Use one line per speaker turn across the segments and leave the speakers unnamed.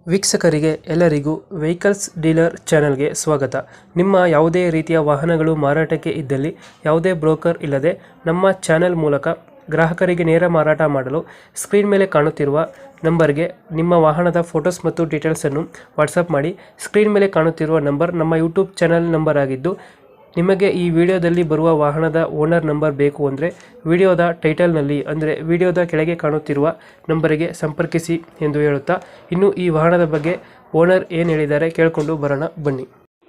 ವೀಕ್ಷಕರಿಗೆ ಎಲ್ಲರಿಗೂ vehicles dealer ಚಾನೆಲ್ಗೆ ಸ್ವಾಗತ. ನಿಮ್ಮ ಯಾವುದೇ ರೀತಿಯ ವಾಹನಗಳು ಮಾರಾಟಕ್ಕೆ ಇದ್ದಲ್ಲಿ ಯಾವುದೇ ಬ್ರೋಕರ್ ಇಲ್ಲದೆ ನಮ್ಮ ಚಾನೆಲ್ ಮೂಲಕ ಗ್ರಾಹಕರಿಗೆ ನೇರ ಮಾರಾಟ ಮಾಡಲು ಸ್ಕ್ರೀನ್ ಮೇಲೆ ಕಾಣುತ್ತಿರುವ ನಂಬರ್ಗೆ ನಿಮ್ಮ ವಾಹನದ ಫೋಟೋಸ್ ಮತ್ತು ಡೀಟೇಲ್ಸನ್ನು ವಾಟ್ಸಪ್ ಮಾಡಿ. ಸ್ಕ್ರೀನ್ ಮೇಲೆ ಕಾಣುತ್ತಿರುವ ನಂಬರ್ ನಮ್ಮ ಯೂಟ್ಯೂಬ್ ಚಾನೆಲ್ ನಂಬರ್ ಆಗಿದ್ದು, ನಿಮಗೆ ಈ ವಿಡಿಯೋದಲ್ಲಿ ಬರುವ ವಾಹನದ ಓನರ್ ನಂಬರ್ ಬೇಕು ಅಂದರೆ ವಿಡಿಯೋದ ಟೈಟಲ್ನಲ್ಲಿ ಅಂದರೆ ವಿಡಿಯೋದ ಕೆಳಗೆ ಕಾಣುತ್ತಿರುವ ನಂಬರಿಗೆ ಸಂಪರ್ಕಿಸಿ ಎಂದು ಹೇಳುತ್ತಾ, ಇನ್ನು ಈ ವಾಹನದ ಬಗ್ಗೆ ಓನರ್ ಏನು ಹೇಳಿದ್ದಾರೆ ಕೇಳಿಕೊಂಡು ಬರೋಣ ಬನ್ನಿ.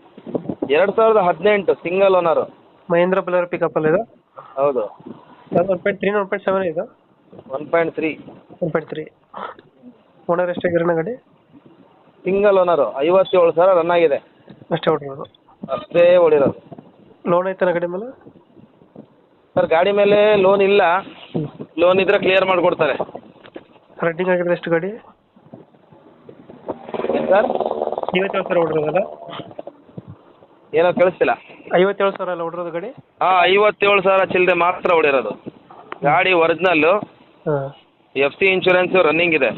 2018 ಸಿಂಗಲ್ ಓನರು.
ಮಹೇಂದ್ರ ಬಲರ್ ಪಿಕಪ್ ಅಲ್ಲ ಇದು?
ಹೌದು.
1.3 1.7 ಇದು?
1.3.
1.3. ಓನರ್ ಎಷ್ಟಾಗಿರೋಣ ಗಾಡಿ?
Single owner. 57,000 ರನ್ ಆಗಿದೆ
ಅಷ್ಟೇ ಹೊಡಿರೋದು?
ಅಷ್ಟೇ ಹೊಡಿರೋದು.
ಲೋನ್ ಐತನ ಗಾಡಿ ಮೇಲೆ?
ಸರ್ ಗಾಡಿ ಮೇಲೆ ಲೋನ್ ಇಲ್ಲ. ಲೋನ್ ಇದ್ರೆ ಕ್ಲಿಯರ್ ಮಾಡಿಕೊಡ್ತಾರೆ.
ರನ್ನಿಂಗ್ ಆಗಿದ್ರೆ ಎಷ್ಟು ಗಾಡಿ?
ಸರ್
57,000 ಹೊಡಿರೋದಲ್ಲ?
ಏನೋ ಕೇಳಿಸ್ತಿಲ್ಲ.
57,000 ಅಲ್ಲ ಹೊಡಿರೋದು ಗಾಡಿ?
ಹಾಂ, 57,000 ಚಿಲ್ಲರೆ ಮಾತ್ರ ಹೊಡಿರೋದು. ಗಾಡಿ ಒರಿಜಿನಲ್ಲು.
ಹಾಂ.
FC ಇನ್ಶೂರೆನ್ಸು ರನ್ನಿಂಗ್ ಇದೆ.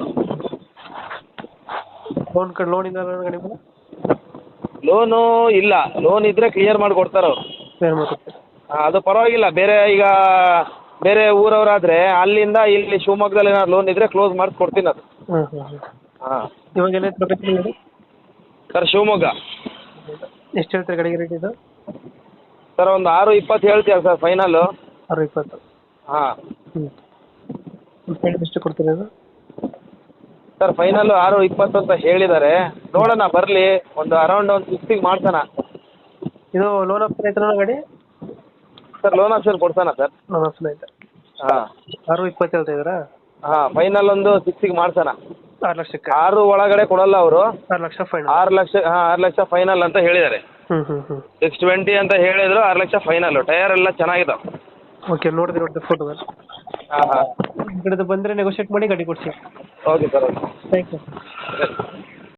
ಲೋನ್ ಇಲ್ಲ ಗಾಡಿ ಮೇಲೆ?
ಲೋನು ಇಲ್ಲ. ಲೋನ್ ಇದ್ರೆ ಕ್ಲಿಯರ್ ಮಾಡಿಕೊಡ್ತಾರೆ ಅವರು.
ಕ್ಲಿಯರ್ ಮಾಡ್ಕೊಡ್ತಾರೆ.
ಅದು ಪರವಾಗಿಲ್ಲ. ಬೇರೆ ಊರವರಾದರೆ ಅಲ್ಲಿಂದ ಇಲ್ಲಿ ಶಿವಮೊಗ್ಗದಲ್ಲಿ ಏನಾದ್ರು ಲೋನ್ ಇದ್ರೆ ಕ್ಲೋಸ್ ಮಾಡಿ ಕೊಡ್ತೀನಿ ಅದು.
ಹಾಂ ಹಾಂ ಹಾಂ.
ಹಾಂ.
ಇವಾಗ ಎಲ್ಲ ಲೊಕೇಶನ್ ಗಾಡಿ?
ಸರ್ ಶಿವಮೊಗ್ಗ.
ಎಷ್ಟು ಹೇಳ್ತಾರೆ ಗಾಡಿಗೆ ರೇಟ್ ಇದು?
ಸರ್ ಒಂದು 6:20 ಹೇಳ್ತೀರಾ ಸರ್ ಫೈನಲ್ಲು?
6:20.
ಹಾಂ.
ಎಷ್ಟು ಕೊಡ್ತೀರಾ ಅದು?
ಸರ್ ಫೈನಲ್ಲು 6:20 ಅಂತ ಹೇಳಿದ್ದಾರೆ. ನೋಡೋಣ, ಬರಲಿ. ಒಂದು ಅರೌಂಡ್ ಒಂದು 60 ಮಾಡ್ಸೋಣ.
ಇದು ಲೋನ್ ಆಪ್ಷನ್ ಐತನ ಗಾಡಿ?
ಸರ್ ಲೋನ್ ಆಪ್ಷನ್ ಕೊಡ್ಸೋಣ ಸರ್.
ಲೋನ್ ಆಪ್ಷನ್ ಐತೆ.
ಹಾಂ.
6:20 ಹೇಳ್ತಾ ಇದ್ದೀರಾ?
ಹಾಂ, ಫೈನಲ್ ಒಂದು 60 ಮಾಡ್ಸೋಣ.
6 ಲಕ್ಷಕ್ಕೆ?
6 ಒಳಗಡೆ ಕೊಡಲ್ಲ ಅವರು.
6 ಲಕ್ಷ ಫೈನಲ್?
6 ಲಕ್ಷ. ಹಾಂ, 6 ಲಕ್ಷ ಫೈನಲ್ ಅಂತ ಹೇಳಿದ್ದಾರೆ. 620 ಅಂತ ಹೇಳಿದ್ರು. 6 ಲಕ್ಷ ಫೈನಲ್ಲು. ಟಯರ್ ಎಲ್ಲ ಚೆನ್ನಾಗಿದ್ದಾವೆ.
ಓಕೆ, ನೋಡಿದೆ ಫೋಟೋದಲ್ಲಿ.
ಹಾಂ ಹಾಂ.
ಈ ಕಡೆದು ಬಂದರೆ ನೆಗೋಷಿಯೇಟ್ ಮಾಡಿ ಗಾಡಿ ಕೊಡಿಸಿ.
Okay sir, okay.
Thank you.
ಸರಿ.